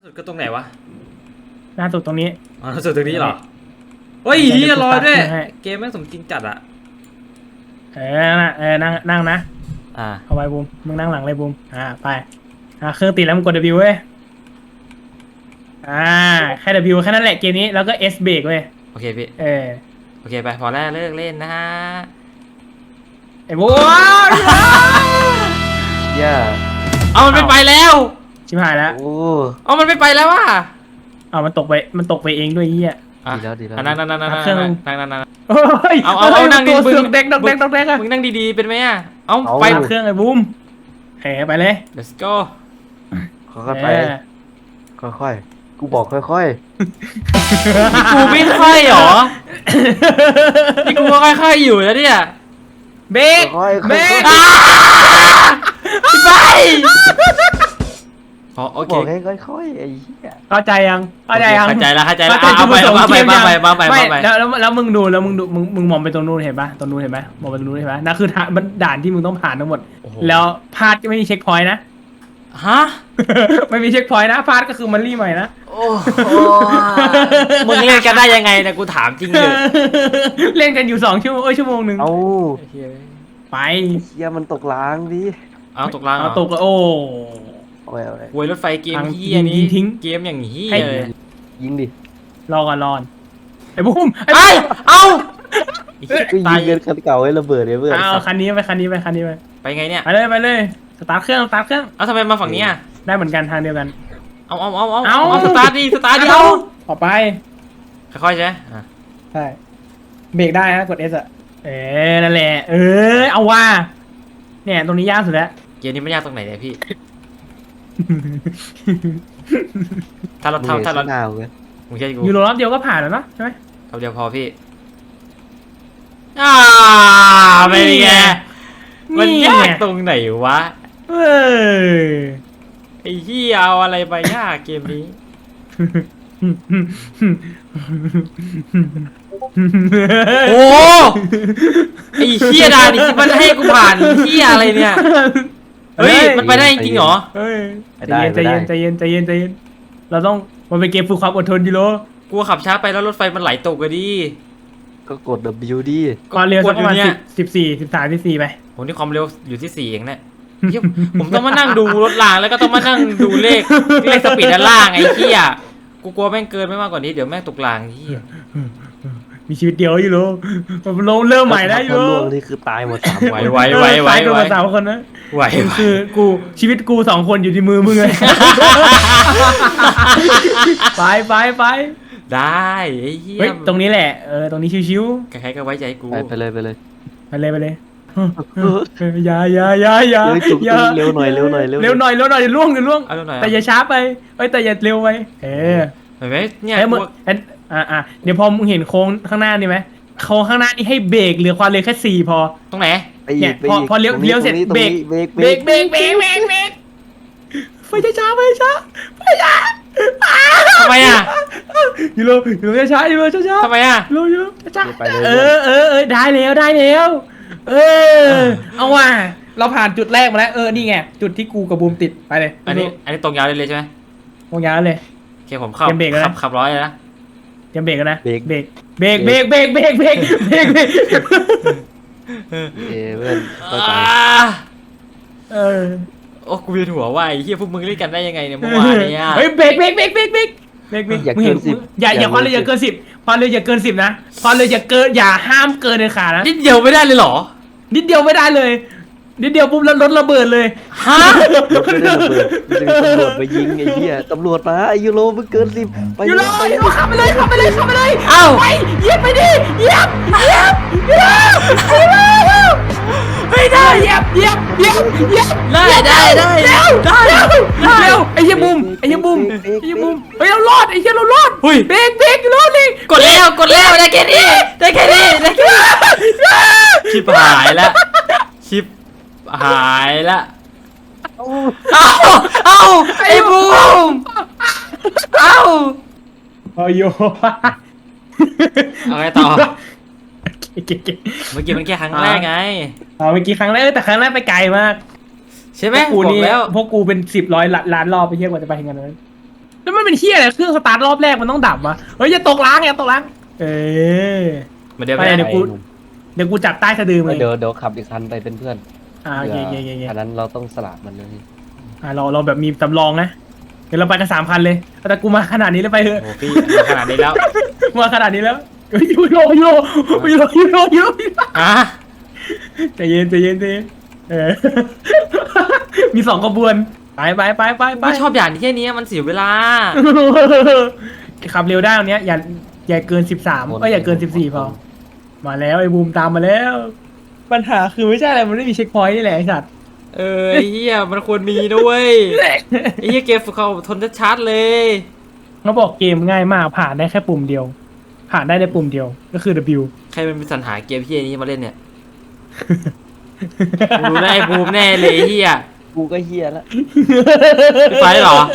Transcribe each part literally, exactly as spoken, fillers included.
สุดก็ตรงไหนวะล่าสุดตรงนี้อ๋อล่าสุดตรงนี้เหรอเฮ้ยเฮียรอด้วยเกมแม่งสมจริงจัดอะเออนั่งเออนั่งนั่งนะอ่าเอาไว้บูมมึงนั่งหลังเลยบูมอ่าไปอ่าเครื่องติดแล้วมึงกด W เว้ยอ่าแค่ W แค่นั้นแหละเกมนี้แล้วก็ S เบรกเว้ยโอเคพี่เออโอเคไปพอแล้วเลิกเล่นนะฮะไอ้บูมย่าเอามันไม่ไปแล้วชิบหายแล้วโอ้เอามันไม่ไปแล้วว่ะเอามันตกไปมันตกไปเองด้วยเฮียดีแล้วดีแล้วนั่งนั่งนั่งนั่งนั่งนั่งนั่งนั่งเอาเอาเอานั่งดิมึงเด็กดอกเด็กดอกเด็กอะมึงนั่งดีๆเป็นไหมอ่ะเอาไปเครื่องไอ้บูมแหไปเลย let's go ค่อยๆไปค่อยๆกูบอกค่อยๆกูไม่ค่อยหรอนี่กูก็ค่อยๆอยู่แล้วเนี่ยเบรกเบรกไปพอโอเคบอกให้ค่อยๆไอ้เหี้ยเข้าใจยังเข้าใจยังเข้าใจแล้วเข้าใจแล้วเอาไปเอาไปมาไปมาไปมาไปแล้วแล้วมึงดูแล้วมึงดูมึงมึงมองไปตรงนู้นเห็นปะตรงนู้นเห็นปะมองไปตรงนู้นเห็นปะนั่นคือมันด่านที่มึงต้องผ่านทั้งหมดแล้วพลาดไม่มีเช็คพอยต์นะฮะไม่มีเช็คพอยต์นะพลาดก็คือมันรีใหม่นะโอ้มึงเล่นกันได้ยังไงนะกูถามจริงเลยเล่นกันอยู่สองชั่วโมงเอ้ยชั่วโมงหนึ่งเอาไปเฮียมันตกล้างดิเอาตกล้างเอาตกโอ้โอ้ยโอ้ยโวยรถไฟเกมเฮียนี้เกมอย่างเฮียเลยยิงดิรอก่อนรอนไอ้บุ้มไอ้เอาก็ยิงเงินคันเก่าให้ระเบิดเลยเพื่อนเอาคันนี้ไปคันนี้ไปคันนี้ไปไปไงเนี่ยไปเลยไปเลยสตาร์ทเครื่องสตาร์ทเครื่องเอาทำไมมาฝั่งนี้อ่ะได้เหมือนกันทางเดียวกันเอาเอาเอาเอาเอาสตาร์ทดิสตาร์ทดิเอาออกไปค่อยๆใช่ใช่เบรกได้นะกด S อ่ะเออนั่นแหละเออเอาว่าเนี่ยตรงนี้ยากสุดแล้วเกมนี้ไม่ยากตรงไหนเนี่ยพี่ถ้าเราทำถ้าเราหนาวเลยมึงใช่กูยูโรรอบเดียวก็ผ่านแล้วเนาะใช่ไหมรอบเดียวพอพี่อ่าไม่ไงมันยากตรงไหนวะเออไอ้ที่เอาอะไรไปยากเกมนี้โอ้ไอ้เหี้ยดาดิมันให้กูผ่านเหี้ยอะไรเนี่ยเฮ้ยมันไปได้จริงเหรอใจเย็นใจเย็นใจเย็นใจเย็นเราต้องมันเป็นเกมฝึกความอดทนดิโลกูขับช้าไปแล้วรถไฟมันไหลตกกันดิก็กด W ดิความเร็วสักประมาณสิบสี่สิบสามสิบสี่ไปผมนี่ความเร็วอยู่ที่สี่เองเนี่ยผมต้องมานั่งดูรถรางแล้วก็ต้องมานั่งดูเลขเลขสปีดด้านล่างไอ้เหี้ยกูกลัวแม่งเกินไม่มากกว่านี้เดี๋ยวแม่งตกรางเหี้ยมีชีวิตเดียวอยู่โลมันลงเริ่มใหม่ได้อยู่โลนี่คือตายหมดสามไหวไหวไหวไหวไหวสามคนนะไหวคือกูชีวิตกูสองคนอยู่ที่มือมึงเลยไปไปไปได้ไอ้เหี้ยตรงนี้แหละเออตรงนี้ชิวๆใครๆก็ไว้ใจกูไปเลยไปเลยไปเลยไปเลยอย่าอย่าอย่าอย่าอย่าเร็วหน่อยเร็วหน่อยเร็วเร็วหน่อยเร็วหน่อยล่วงเดี๋ยวล่วงแต่อย่าช้าไปเอ้ยแต่อย่าเร็วไปเออเห็นไหมเนี่ยมึงอ่าอ่าเดี๋ยวพอมึงเห็นโค้งข้างหน้านี่ไหมโค้งข้างหน้านี่ให้เบรกเหลือความเร็วแค่สี่พอตรงไหนเนี่ยพอพอเลี้ยวเลี้ยวเสร็จเบรกเบรกเบรกเบรกเบรกเบรกเบรกไฟช้าไฟช้าไฟช้าทำไมอ่ะยูโรยูโรช้ายูโรช้าช้าทำไมอ่ะยูโรยูโรช้าเออเออเออได้แล้วได้แล้วเออเอาว่ะเราผ่านจุดแรกมาแล้วเออนี่ไงจุดที่กูกับบูมติดไปเลยอันนี้อันนี้ตรงยาวเลยใช่ไหมตรงยาวเลยโอเคผมขับขับขับร้อยเลยนะเตรียมเบรกกันนะเบรกเบรกเบรกเบรกเบรกเบรกเบรกเบรกเบรกเออเพื่อนเข้าใจเออโอ้กูเวียนหัวว่าไอ้เหี้ยพวกมึงเล่นกันได้ยังไงเนี่ยเมื่อวานเนี่ยเฮ้ยเบรกเบรกเบรกเบรกเบรกเบรกเบรกมึงเห็นอย่าอย่าความเร็วอย่าเกินสิบความเร็วอย่าเกินสิบนะความเร็วอย่าเกินอย่าห้ามเกินเลยขานะนิดเดียวไม่ได้เลยหรอนิดเดียวไม่ได้เลยนิดเดียวปุ๊บแล้วรถระเบิดเลยฮะรถไม่ได้ระเบิดตำรวจไปยิงไอ้เหี้ยตำรวจมาไอ้ยูโรมันเกินสิบไปยูโรยูโรขับไปเลยขับไปเลยขับไปเลยเอ้าไปเหยียบไปดิเหยียบเหยียบเหยียบไม่ได้เหยียบเหยียบเหยียบเหยียบได้ได้ได้เร็วได้เร็วไอ้เหี้ยบุ้มไอ้เหี้ยบุ้มไอ้เหี้ยบุ้มเฮ้ยเรารอดไอ้เหี้ยเรารอดเบรกเบรกรอดเลยกดแล้วกดแล้วได้แค่นี้ได้แค่นี้ได้แค่นี้ชิบหายแล้วชิบหายละเอาเอาไอ้บูมเอาเอาโยเอาไงต่อเมื่อกี้มันแค่ครั้งแรกไงเอาเมื่อกี้ครั้งแรกแต่ครั้งแรกไปไกลมากใช่ไหมกูนี่พวกกูเป็นสิบร้อยล้านรอบไปเที่ยวกว่าจะไปถึงกันนั้นแล้วมันเป็นเฮียอะไรเครื่องสตาร์ทรอบแรกมันต้องดับวะเฮ้ยอย่าตกล้างอย่าตกล้างเออมาเดี๋ยวไปไปเดี๋ยวกูเดี๋ยวกูจับใต้สะดือเลยเดี๋ยวเดี๋ยวขับอีกคันไปเป็นเพื่อนอ่าโอเคโอเคโอเคโอเคอันนั้นเราต้องสลับมันเลยอ่าเราเราแบบมีสำรองนะเดี๋ยวเราไปกันสามคันเลยแต่กูมาขนาดนี้แล้วไปเถอะโอ้พี่มาขนาดนี้แล้วมาขนาดนี้แล้วเฮ้ยยูโรยูโรยูโรยูโรยูโรอ่ะใจเย็นใจเย็นใจเย็นเออ มีสองขบวนไปไปไปไปไปไม่ชอบอย่างที่แค่นี้มันเสียเวลาขับเร็วได้ตรงเนี้ยอย่าอย่าเกินสิบสามก็อย่าเกินสิบสี่พอมาแล้วไอ้บูมตามมาแล้ว ปัญหาคือไม่ใช่อะไรมันไม่มีเช็คพอยต์นี่แหละไอ้สัตว์เออไอ้เฮียมันควรมีด้วยไอ้เฮียเกมฝึกเขาทนชัดๆเลยเขาบอกเกมง่ายมากผ่านได้แค่ปุ่มเดียว ผ่านได้ในปุ่มเดียวก็คือ W ใครมันเป็นสรรหาเกมเฮียนี้มาเล่นเนี่ยกูได้บูมแน่เลยไอ้เฮียกูก็เฮียแล้วไฟเหรอ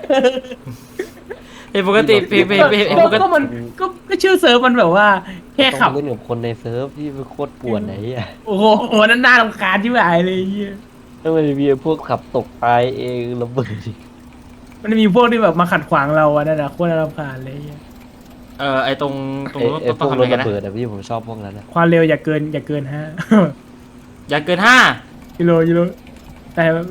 ไอ้ปกติเพเพเพไอ้ปกก็ติมันก็ก็ชื่อเซิร์ฟมันแบบว่าแค่ขับต้องเล่นกับคนในเซิร์ฟที่มันโคตรปวดไหนอ่ะโอ้โหนั่นน่ารำคาญที่ไหนเลยไอ้เหี้ยแล้วมันมีพวกขับตกตายเองระเบิดมันมีพวกที่แบบมาขัดขวางเราอะนั่นนะโคตรน่ารำคาญเลยไอ้เหี้ยเออไอ้ตรงตรงไอ้นู้นไอ้พต้อวงกทำรอะไรถกันระนะเบิดอะพี่ผมชอบพวกนั้นนะความเร็วอย่าเกินอย่าเกินฮะอย่าเกินห้ากิโลกิโลแต่แบบ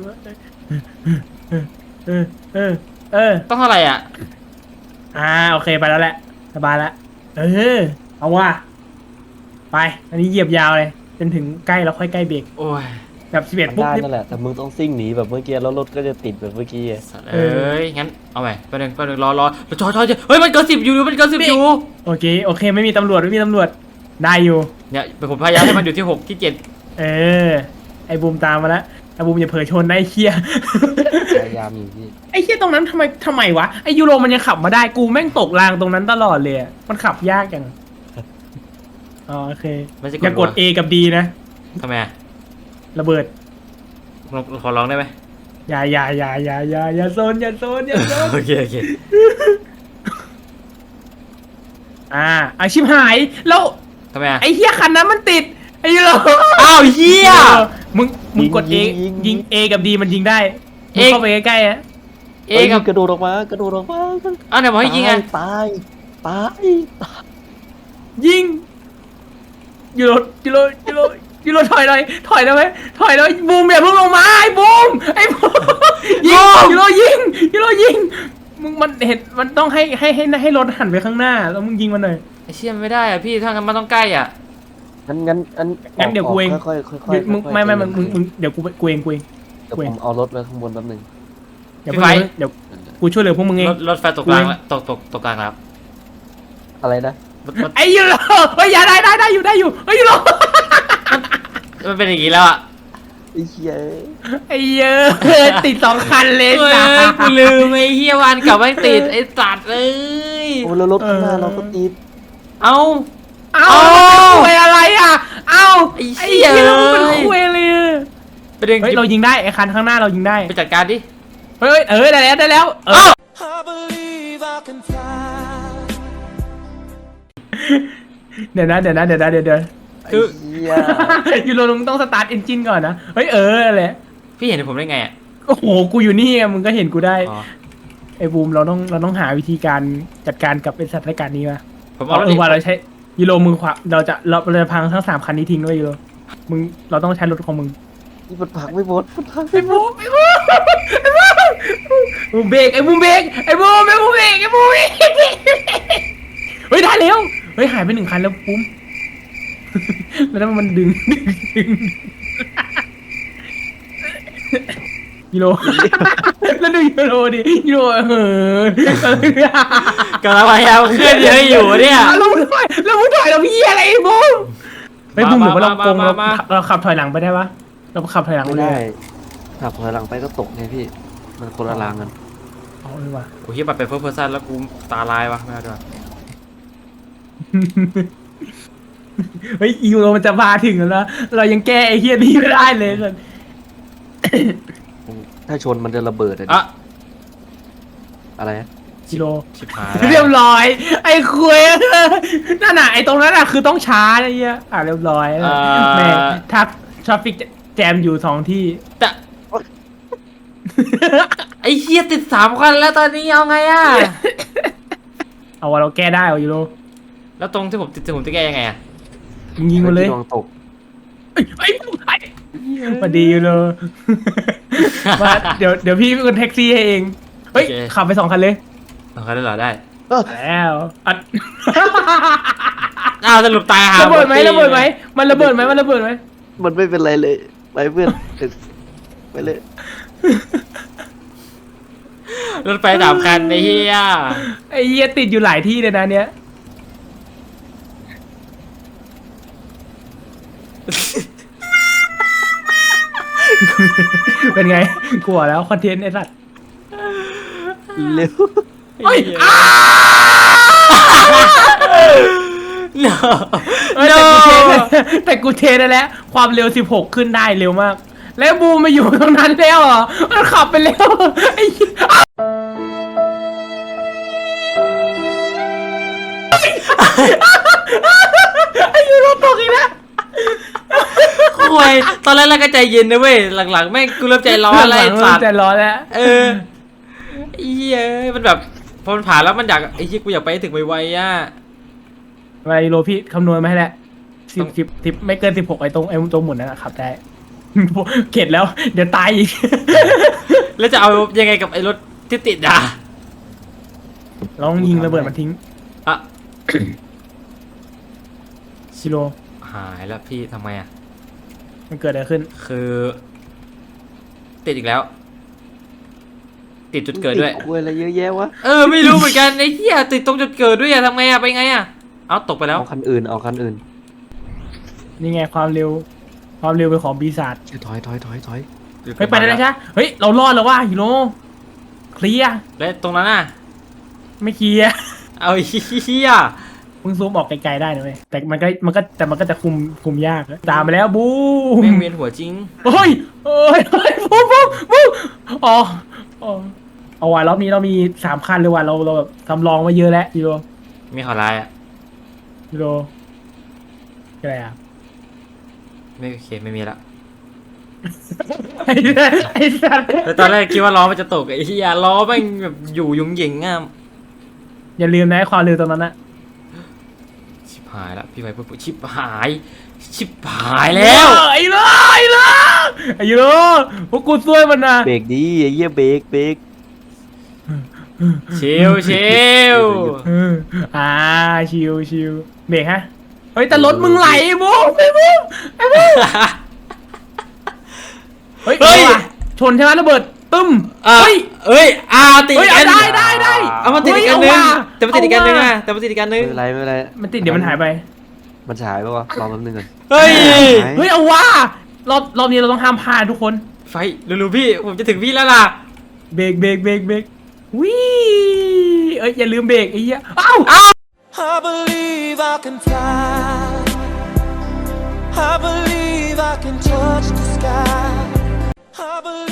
เออเออเออต้องเท่าไหร่อ่ะอ่าโอเคไปแล้วแหละสบายแล้วเออเอาว่ะไปอันนี้เหยียบยาวเลยจนถึงใกล้แล้วค่อยใกล้เบรกโอ้ยแบบสิบเอ็ดมันปุ๊บได้นี่นั่นแหละแต่มึงต้องซิ่งหนีแบบเมื่อกี้แล้วรถก็จะติดแบบเมื่อกี้อะสัตว์เอ้ยงั้นเอาใหม่แป๊บนึงแป๊บนึงรอรอจอยจอยจอยเฮ้ยมันเกินสิบอยู่มันเกินสิบอยู่โอเคโอเคไม่มีตำรวจไม่มีตำรวจได้อยู่เนี่ยผมพยายามให้มันอยู่ที่หกที่เจ็ดเออไอ้บูมตามมาแล้วไอ้บูมอย่าเผลอชนนะไอ้เคียพยายามอยู่พี่ไอ้เคียตรงนั้นทำไมทำไมวะไอ้ยูโรมันยังขับมาได้กูแม่งตกรางตรงนั้นตลอดเลยอะมันขับยากจังอ๋อโอเคไม่ใช่อย่ากด A กับ D นะทำไมอะระเบิดลองขอร้องได้ไหมอย่าอย่าอย่าอย่าอย่าอย่าโซนอย่าโซนอย่าโซนโอเคโอเคอ่าอาชิบหายแล้วทำไมอะไอ้เฮียคันนั้นมันติดไอ้ยูโรอ้าวเฮียมึงมึงกด A ยิง A กับ D มันยิงได้มึงเข้าไปใกล้ๆอะเอเอ้ยกับกระโดดออกมากระโดดออกมาอ้าวไหนบอกให้ยิงไงตายตายยิงยูโรยูโรยูโรยูโรถอยหน่อยถอยได้ไหมถอยแล้วบูมอย่าเพิ่งลงมาไอ้บูมไอ้บูมยิงยูโรยิงยูโรยิงมึงมันเห็นมันต้องให้ให้ให้ให้รถหันไปข้างหน้าแล้วมึงยิงมันหน่อยไอ้เชี่ยมันไม่ได้อะพี่ถ้างั้นมันต้องใกล้อ่ะงั้นงั้นงั้นงั้นเดี๋ยวกูเองค่อยๆค่อยๆค่อยเดี๋ยวมึงๆไม่ไม่มึงมึงมึงเดี๋ยวกูกูเองกูเองเดี๋ยวผมเอารถไว้ข้างบนแป๊บนึงเดี๋ยวเพิ่งเดี๋ยวกูช่วยเหลือพวกมึงเองรถรถไฟตกกลางแล้วตกตกตกกลางแล้วอะไรนะรถรถไอ้ยูโรเฮ้ยอย่าได้ได้ได้อยู่ได้อยู่ไอ้ยูโรมันเป็นอย่างนี้แล้วอ่ะไอ้เหี้ยไอ้เยอะติดสองคันเลยเฮ้ยจ้ากูลืมไอ้เฮียวันกลับไม่ติดไอ้สัตว์เอ้ยโอ้แล้วรถข้างหน้าเราก็ติดเอ้าเอ้าเอ้าคุยอะไรอ่ะเอ้าไอ้ไอ้เหี้ยเหี้ยมันคุยเลยอะประเด็นเฮ้ยเรายิงได้ไอ้คันข้างหน้าเรายิงได้ไปจัดการดิเฮ้ยเออได้แล้วได้แล้วเออเอ้า I believe I can fly. เดี๋ยวนะเดี๋ยวนะเดี๋ยวนะเดี๋ยวเดี๋ยวไอ้เหี้ยยูโรมึงต้องสตาร์ทเอนจินก่อนนะเฮ้ยเอออะไรพี่เห็นผมได้ไงอ่ะโอ้โหกูอยู่นี่อะมึงก็เห็นกูได้อ๋อไอ้บูมเราต้องเราต้องหาวิธีการจัดการกับไอ้สถานการณ์นี้มาผมเอาเอารถเอดิอว่าเราใช้ยูโรมึงขวาเราจะเราเราจะพังทั้งสามคันนี้ทิ้งด้วยยูโรมึงเราต้องใช้รถของมึงนี่มันผักไม่หมดมันผักไอ้บูมไอ้บูมไอ้บูมบูมเบรกไอ้บูมเบรกไอ้บูมไอ้บูมเบรกไอ้บูมเบรกเฮ้ยได้แล้วเฮ้ยหายไปหนึ่งคันแล้วปุ้มแล้วมันดึงดึงดึงยูโรแล้วดูยูโรดิยูโรเออกำลังพยายามเคลื่อนเยอะอยู่เนี่ยแล้วมึงถอยแล้วมึงถอยเราพี่อะไรไอ้บูมไอ้บูมหรือว่าเราโกงเรามาเราขับถอยหลังไปได้ปะเราขับถอยหลังไม่ไปได้ขับถอยหลังไปก็ตกไงพี่ มันคนละรางกันอ๋อเออว่ะโอ้ยบัตรเป็นเฟิร์สเพอร์ซันแล้วกูตาลายวะไม่เอาดีกว่าเฮ้ยยูโรมันจะมาถึงแล้วนะเรายังแก้ไอ้เฮียนี่ไม่ได้เลยสัสถ้าชนมันจะระเบิดอะดิอ่ะอะไรนะยูโรชิบหายเรียบแล้วร้อย ไอ้คุยนั่นน่ะไอ้ตรงนั้นน่ะคือต้องช้าไอ้เหี้ยอ่ะเรียบร้อยแม่ทักทราฟิกแจมอยู่สองที่แต่ไอ้เฮียติดสามคันแล้วตอนนี้เอาไงอะเอาว่าเราแก้ได้เอายูโรแล้วตรงที่ผมติดผมจะแก้ยังไงอะยิงมาเลยดวงตกไอ้ไอ้ไอ้มาดียูโร มาเดี๋ยวเดี๋ยวพี่เป็นคนแท็กซี่ให้เองเฮ้ยขับไปสองคันเลยสองคันได้เหรอได้แล้วอัดอ้าวสรุปตายหาระเบิดไหมตี้ระเบิดไหมมันระเบิดไหมมันระเบิดไหมมันไม่เป็นไรเลยไปเพื่อนไปเลยรถไฟสามคันไอ้เฮียไอ้เหี้ยติดอยู่หลายที่เลยนะเนี้ย เป็นไงกลัวแล้วคอนเทนต์ไอ้สัตว์เร็วเฮ้ยอ้า no เอ้ย no แต่กูเทได้แล้วความเร็วสิบหกขึ้นได้เร็วมาก แล้วบูมมาอยู่ตรงนั้นแล้วเหรอมันขับไปแล้วไอ้เหี้ยไอ้ยูโรตกอีกแล้วคุยตอนแรกเราก็ใจเย็นนะเว้ยหลังๆแม่งกูเริ่มใจร้อนอะไรไอ้สัตว์ใจร้อนแล้วเออไอ้เหี้ยมันแบบพอมันผ่านแล้วมันอยากไอ้เหี้ยกูอยากไปให้ถึงไวๆอ่ะอะไรยูโรพี่คำนวณมาให้แล้วสิต้บองสิบสิบไม่เกินสิบหกไอ้ตรงไอ้ตรงหมุนนั่นนะขับได้ เข็ดแล้ว เดี๋ยวตายอีกแล้วจะเอายังไงกับไอ้รถที่ติดอ่ะลองยิงระเบิดมันทิ้งอ่ะชิโร่หายแล้วพี่ทำไมอ่ะมันเกิดอะไรขึ้นคือ ติดอีกแล้ว ติดจุดเกิดด้วยคุยอะไรเยอะแยะวะเออไม่รู้เหมือนกันไอ้เหี้ยติดตรงจุดเกิดด้วยอะทำไงอะไปไงอะเอาตกไปแล้วเอาคันอื่นเอาคันอื่นนี่ไงความเร็ว ความเร็วเป็นของปีศาจเชี่ยถอยถอยถอยถอยเฮ้ยไปได้แล้วใช่เฮ้ยเรารอดแล้วว่าฮิโร่เคลียร์แล้วตรงนั้นน่ะไม่เคลียร์เอาเหี้ยมึงซูมออกไกลๆได้นะเว้ยแต่มันก็มันก็แต่มันก็จะคุมคุมยากตามไปแล้วบูมแม่งเวียนหัวจริงเฮ้ยเฮ้ยเฮ้ยบูมบูมบูมอ๋ออ๋อเอาว่ะรอบนี้เรามีสามคันเลยว่ะเราเราแบบสำรองมาเยอะแล้วฮิโร่มีข่าวร้ายอะฮิโร่อะไรอ่ะไม่โอเคไม่มีละไอ้สัสไอ้สัสแต่ตอนแรกคิดว่าล้อมันจะตกไอ้เหี้ยล้อแม่งแบบอยู่ยุงหยิงอ่ะอย่าลืมนะความเร็วตรงนั้นนะชิบหายละพี่ไวปุ๊บชิบหาย ชิบหายแล้วไอ้เลยไอ้เลยไอ้ยูโรพวกกูช่วยมันนะเบรกดีไอ้เหี้ยเบรกเบรกชิวชิวเอออ่าชิวชิวเบรกฮะเฮ้ยแต่รถมึงไหลบูมไอ้บูมไอ้บูมเฮ้ยเอาว่ะชนใช่ไหมระเบิดตึ้มอ่ะเฮ้ยเอ้ยอ่าติดเฮ้ยอีกอันได้ได้ได้เอามาติดอีกอันนึงเฮ้ยเอาว่ะแต่มาติดอีกอันนึงเอาอ่ะว่ะแต่มาติดอีกอันนึไม่งเป็นไรไม่เป็นไรมันติดเดี๋ยวมันหายไปมันฉายปะวะรอแป๊บนึงก่อนเฮ้ยเฮ้ยเอาว่ารอบรอบนี้เราต้องห้ามพลาดทุกคนไฟเร็วๆพี่ผมจะถึงพี่แล้วล่ะเบรกเบรกเบรกเบรกวิเอ้ยอย่าลืมเบรกไอ้เหี้ยเอ้า I believe I can fly. I believe I can touch the sky. I believe